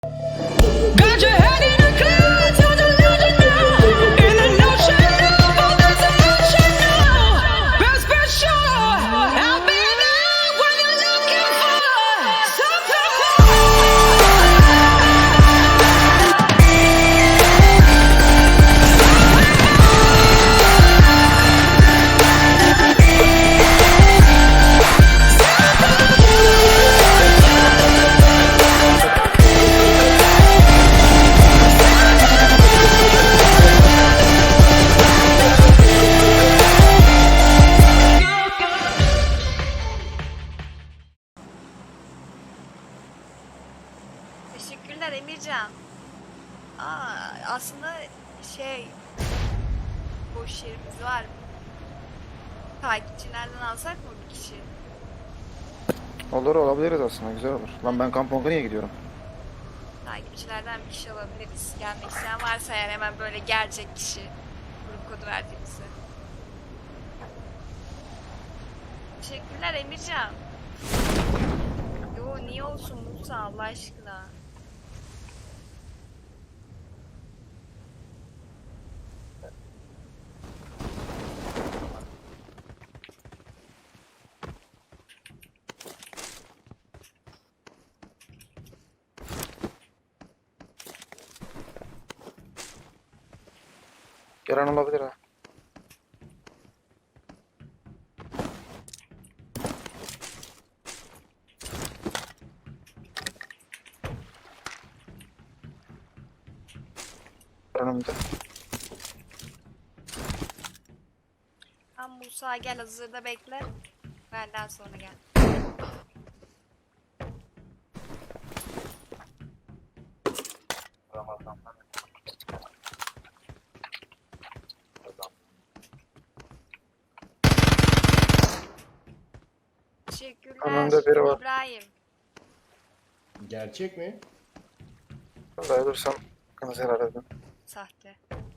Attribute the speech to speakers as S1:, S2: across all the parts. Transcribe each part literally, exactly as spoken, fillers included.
S1: Got your head in the clouds, you're delusional. In an ocean of all this emotion now. Best be sure I'll be there when you're looking for something
S2: Teşekkürler Emircan. Aa, aslında şey boş yerimiz var. Takipçilerden alsak mı bir kişi?
S3: Olur, olabiliriz aslında, güzel olur. Lan ben Kamponga'ya gidiyorum.
S2: Takipçilerden bir kişi alabiliriz. Gelmek isteyen varsa eğer hemen böyle gelecek kişi. Grup kodu verdiğimizde. Teşekkürler Emircan. Yo niye olsun Musa Allah aşkına.
S3: Gelen olabilir ha. Önümde.
S2: Tamam Musa gel hazırda bekle. Benden sonra gel. Teşekkürler
S3: Önümde biri var.
S2: İbrahim.
S4: Gerçek mi?
S3: Vallahi dursam kanı helal edin.
S2: Sahte.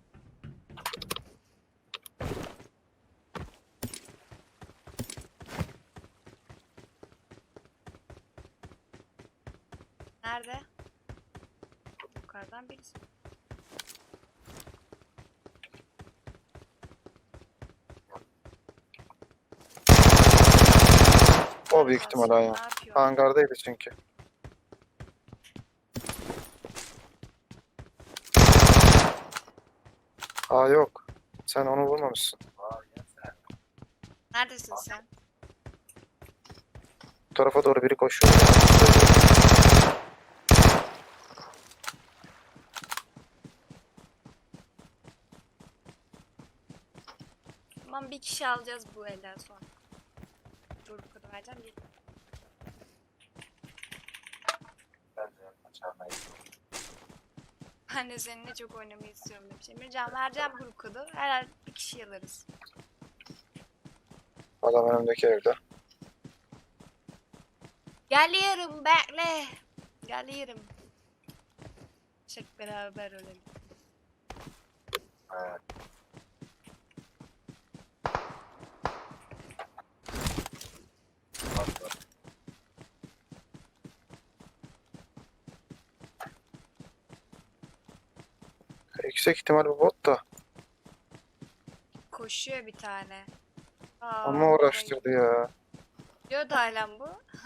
S2: Nerede? Yukarıdan birisi.
S3: O büyük ihtimal ha ya.
S2: Ne yapıyor?
S3: Hangardaydı çünkü. Aa yok. Sen onu vurmamışsın.
S2: Neredesin sen?
S3: Bu tarafa doğru biri koşuyor.
S2: Tamam bir kişi alacağız bu elden sonra. Dur bu kadar vereceğim. Bir... Ben de seninle çok oynamayı istiyorum demiş. Emircan vereceğim grup kodu. Herhalde bir kişi alırız.
S3: Adam önümdeki evde.
S2: Geliyorum bekle. Geliyorum. Çık beraber ölelim.
S3: Yüksek ihtimal bu bot da.
S2: Koşuyor bir tane. Aa,
S3: Ama uğraştırdı ya.
S2: diyor da halen bu.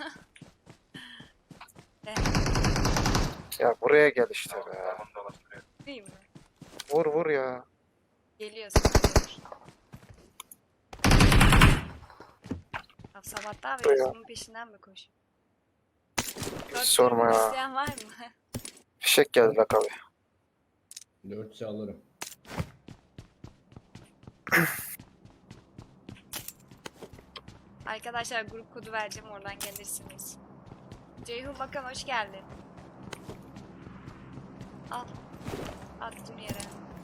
S2: Ne?
S3: Ya buraya gel işte be.
S2: Değil mi?
S3: Vur vur ya.
S2: Geliyor sanırım. Ya sabahtan beri
S3: Ya.
S2: bunun peşinden mi koş?
S3: Hiç sorma ya.
S2: İsteyen var mı?
S3: Fişek geldi bak abi.
S4: Dörtse alırım.
S2: Arkadaşlar grup kodu vereceğim oradan gelirsiniz. Ceyhun Bakan hoş geldin. Al. Attım yere.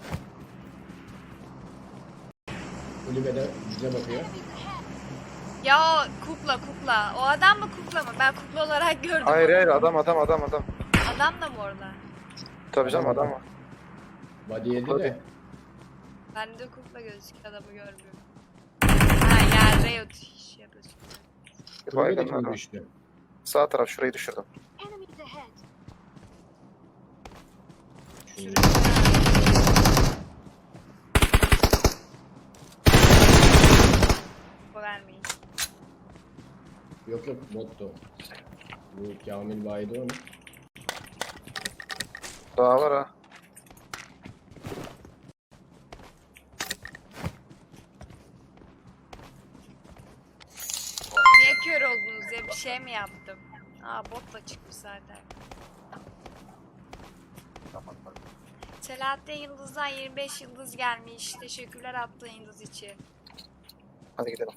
S4: Kulübede bize bakıyor.
S2: Ya o kukla kukla. O adam mı kukla mı? Ben kukla olarak gördüm.
S3: Hayır
S2: onu.
S3: hayır adam adam adam adam.
S2: Adam da mı orada?
S3: Tabii canım adam var.
S4: Body yedi
S3: Hadi.
S4: de.
S2: Bende kukla gözüküyor adamı görmüyorum. Ha yerde yat iş yapıyorsun.
S3: Bir şey.
S4: Kulübe de
S3: baygın var.
S4: kim düştü?
S3: Sağ taraf şurayı düşürdüm.
S5: Enemies ahead.
S2: Bu vermeyin.
S4: Yok yok bottu. Bu Kamil baydı onu.
S3: Daha var ha.
S2: Niye kör oldunuz ya? Bir şey mi yaptım? Aa botla çıkmış zaten. Selahattin Yıldız'dan yirmi beş yıldız gelmiş. Teşekkürler attığın yıldız için.
S3: Hadi gidelim.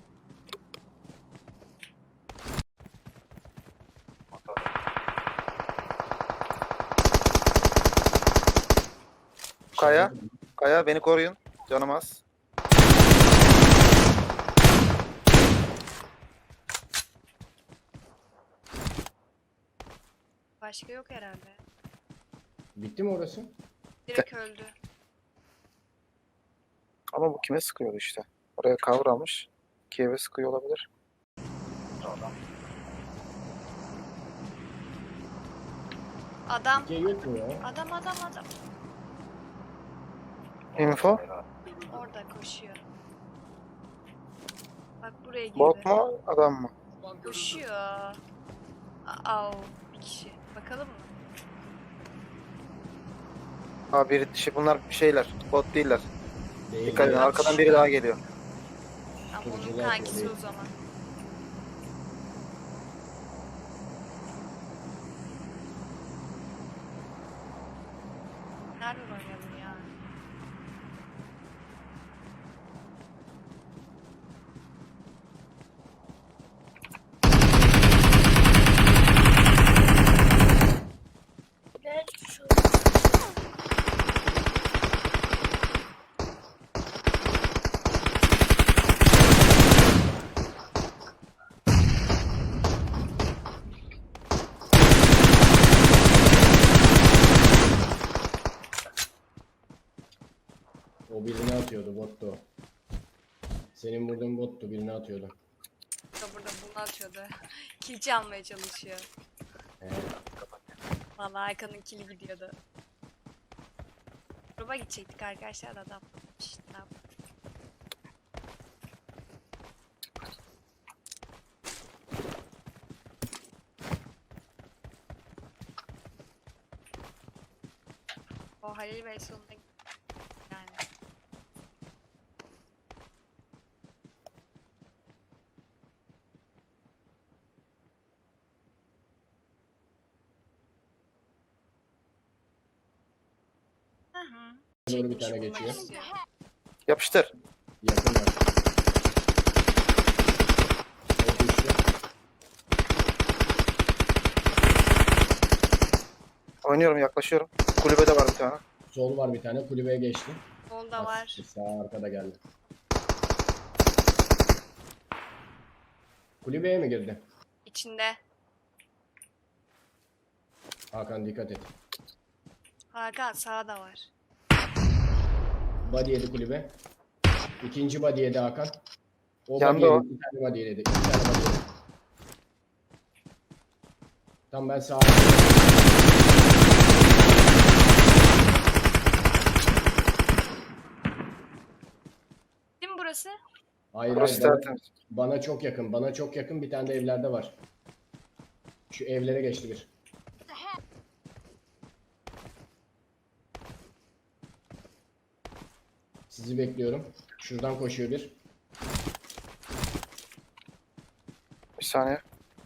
S3: Kaya. Kaya beni koruyun. Canım az.
S2: Başka yok herhalde.
S4: Bitti mi orası?
S2: Direkt öldü.
S3: Ama bu kime sıkıyordu işte. Oraya kavramış. Kiev'e sıkıyor olabilir.
S2: Adam.
S4: Dikey yok mu ya?
S2: Adam adam adam.
S3: Info.
S2: Orada koşuyor. Bak buraya girdi.
S3: Bot mu? Adam mı?
S2: Koşuyor. Aa, bir kişi. Bakalım mı?
S3: Ha bir şey, bunlar şeyler. Bot değiller.
S4: Değil.
S3: Dikkat edin,
S4: ya.
S3: arkadan biri daha geliyor.
S2: Ama onun
S4: Turuncular
S2: kankisi
S4: değil.
S2: o zaman. Nereden oynayalım ya?
S4: O birini atıyordu bottu o. Senin vurduğun bottu birini atıyordu.
S2: Da burada bunu atıyordu. Kilci almaya çalışıyor.
S4: He.
S2: Vallahi Hakan'ın kili gidiyordu. Gruba gidecektik arkadaşlar da adam. İşte ne yapalım. O Halil Bey sonunda yani. Hı hı.
S4: Doğru bir
S2: Çekmiş
S4: tane
S2: bulmak
S4: geçiyor.
S2: istiyor.
S3: Yapıştır.
S4: Yakın var. O düştü.
S3: Oynuyorum, yaklaşıyorum. Kulübede var bir tane.
S4: Sol var bir tane kulübeye geçti.
S2: Sol da var.
S4: Sağ arkada geldi. Kulübeye mi girdi?
S2: İçinde.
S4: Hakan dikkat et.
S2: Hakan sağda var.
S4: Body yedi kulübe. İkinci body yedi Hakan. O
S3: Yandı
S4: body
S3: o.
S4: yedi. Bir tane body yedi. İki tane body yedi. Tam ben sağa.
S2: Değil mi burası?
S4: Hayır
S3: Burası
S4: hayır. Bana,
S3: tertemiz.
S4: bana çok yakın. Bana çok yakın. Bir tane de evlerde var. Şu evlere geçti bir. Sizi bekliyorum. Şuradan koşuyor bir.
S3: Bir saniye.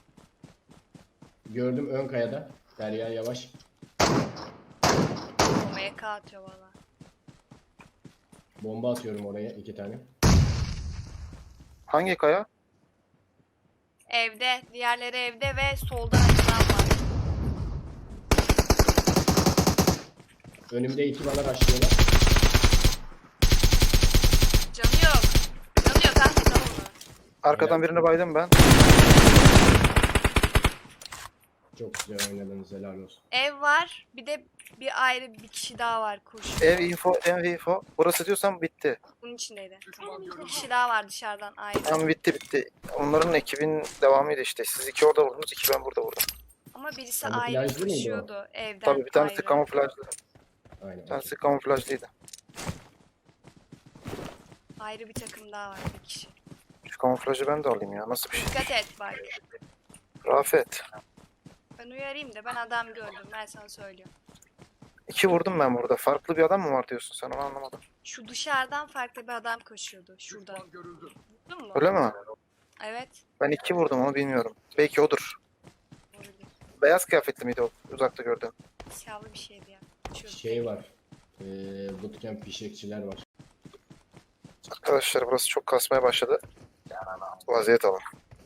S4: Gördüm ön kayada. Derya yavaş.
S2: O M K atıyor valla.
S4: Bomba atıyorum oraya iki tane.
S3: Hangi kaya?
S2: Evde. Diğerleri evde ve solda açılan var.
S4: Önümde iki bana başlıyorlar.
S2: Canı yok. Canı yok kanka sal onu.
S3: Arkadan
S4: Evet.
S3: birini baydım ben.
S4: Çok güzel oynadınız helal olsun.
S2: Ev var. Bir de bir ayrı bir kişi daha var kuş.
S3: Ev info, ev info. Burası diyorsam bitti.
S2: Bunun içindeydi. Bir kişi daha var dışarıdan ayrı.
S3: Tamam, bitti bitti. Onların ekibin devamıydı işte. Siz iki orada vurdunuz, iki ben burada vurdum.
S2: Ama birisi
S4: Kamuflajlı
S2: ayrı
S4: mıydı o?
S2: koşuyordu evden
S3: Tabii bir tanesi
S2: ayrı.
S3: kamuflajlı.
S4: Aynen.
S3: Tersi
S4: okey.
S3: kamuflajlıydı.
S2: Ayrı bir takım daha var bir kişi.
S3: Şu kamuflajı ben de alayım ya. Nasıl bir şey?
S2: Dikkat et bak.
S3: Rafet.
S2: Ben uyarayım da ben adam gördüm. Ben sana söylüyorum.
S3: İki vurdum ben burada. Farklı bir adam mı var diyorsun sen, onu anlamadım.
S2: Şu dışarıdan farklı bir adam koşuyordu. Şurada. Buldun mu?
S3: Öyle mi?
S2: Evet.
S3: Ben iki vurdum, onu bilmiyorum. Belki odur.
S2: Olabilir.
S3: Beyaz kıyafetli miydi o uzakta gördüğüm?
S2: Siyahlı bir şeydi ya. Koşuyordu.
S4: Şey var. Ee, bootcamp fişekçiler var.
S3: Arkadaşlar burası çok kasmaya başladı. Vaziyet alın.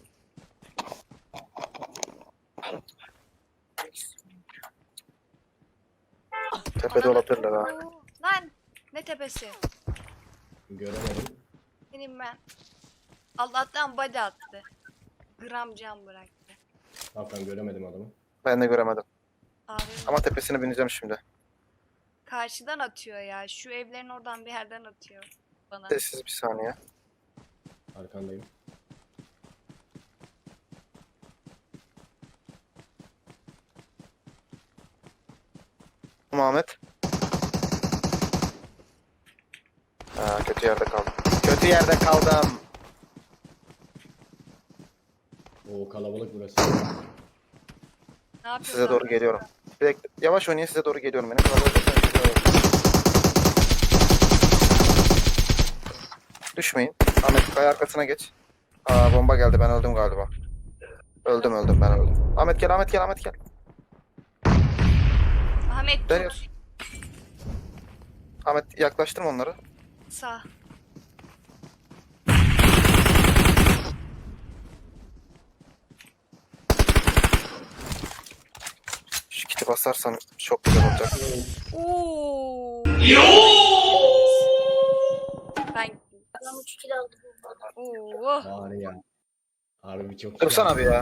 S3: Tepede olabilirler ha.
S2: Oo, lan! Ne tepesi?
S4: Göremedim.
S2: Benim ben. Allah'tan body attı. Gram can bıraktı.
S4: Hakan göremedim adamı.
S3: Ben de göremedim.
S2: Abi
S3: Ama tepesine bineceğim şimdi.
S2: karşıdan atıyor ya. Şu evlerin oradan bir yerden atıyor bana.
S3: Sessiz bir saniye.
S4: Arkandayım.
S3: Muhammed. Ha, kötü yerde kaldım. Kötü yerde kaldım.
S4: O kalabalık burası.
S2: Ne yapıyorsun?
S3: Size doğru geliyorum. Direkt yavaş oynayın, size doğru geliyorum. Beni kalabalıktan geliyorum. Düşmeyin. Ahmet kaya arkasına geç. Aa, bomba geldi, ben öldüm galiba. Öldüm öldüm ben öldüm. Ahmet gel, Ahmet gel, Ahmet gel.
S2: Ahmet tut.
S3: Dönüyoruz. Ahmet yaklaştırma onları.
S2: Sağ.
S3: Şu kiti basarsan çok güzel olacak.
S2: Oo. Ben
S5: Adam üç kilo aldı bu arada.
S2: Oo.
S4: Var ya. Harbi çok
S3: Kırsana abi ya.